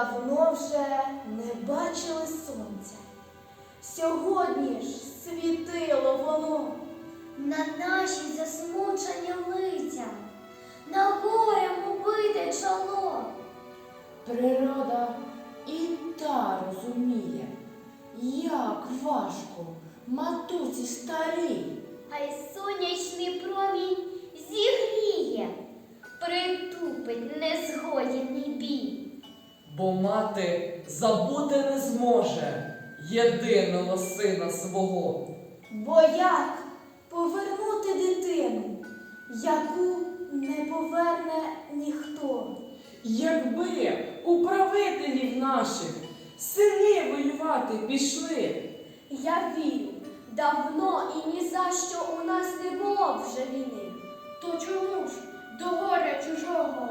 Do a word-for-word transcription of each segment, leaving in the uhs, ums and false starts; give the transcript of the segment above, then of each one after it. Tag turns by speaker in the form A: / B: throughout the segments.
A: давно вже не бачили сонця. Сьогодні ж світило воно
B: на наші засмучені лиця, на горем убите чоло.
C: Природа і та розуміє, як важко матусі старій.
B: А й сонячний промінь зігріє, притупить незгоєний бій.
D: Бо мати забути не зможе єдиного сина свого.
A: Бо як повернути дитину, яку не поверне ніхто?
C: Якби у правителів наших сини воювати пішли,
A: Я вірю, давно і ні за що у нас не було вже війни.
E: То чому ж до горя чужого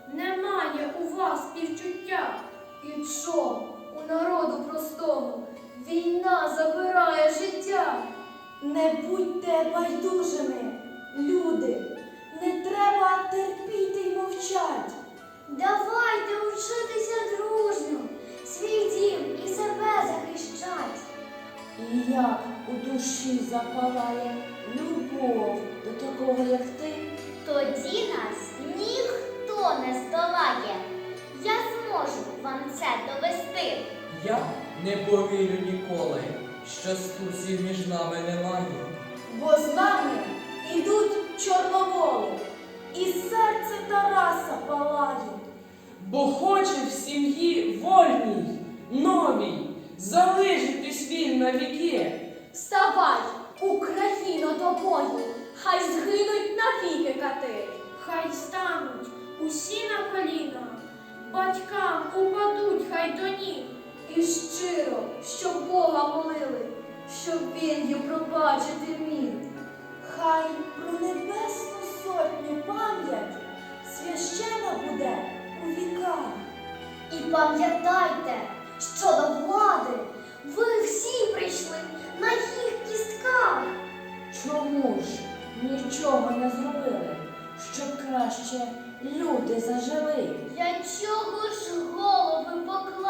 E: немає у вас співчуття?
A: І що у народу простому війна забирає життя? Не будьте байдужими, люди, не треба терпіти й мовчать.
B: Давайте вчитися дружньо, свій дім і себе захищать.
C: і як у душі запалає любов до такого, як ти,
B: Тоді нас ніхто не здолає. Я зможу вам це довести.
D: Я не повірю ніколи, що стусів між нами немає.
A: Бо з нами ідуть чорноволи, і серце Тараса палає.
C: бо хоче в сім'ї вольній, новій, залишитись він навіки.
A: Вставай, Україно, до бою, хай згинуть навіки кати.
E: Хай стануть усі на коліна, батькам упадуть хай до ніг.
A: І щиро, щоб Бога молили, щоб він їм пробачити міг. Хай про небесну сотню пам'ять священа буде у віках.
B: І пам'ятайте, що до влади ви всі прийшли на їх кістках.
C: Чому ж нічого не зробили, щоб краще люди зажили?
B: Для чого ж голови поклали?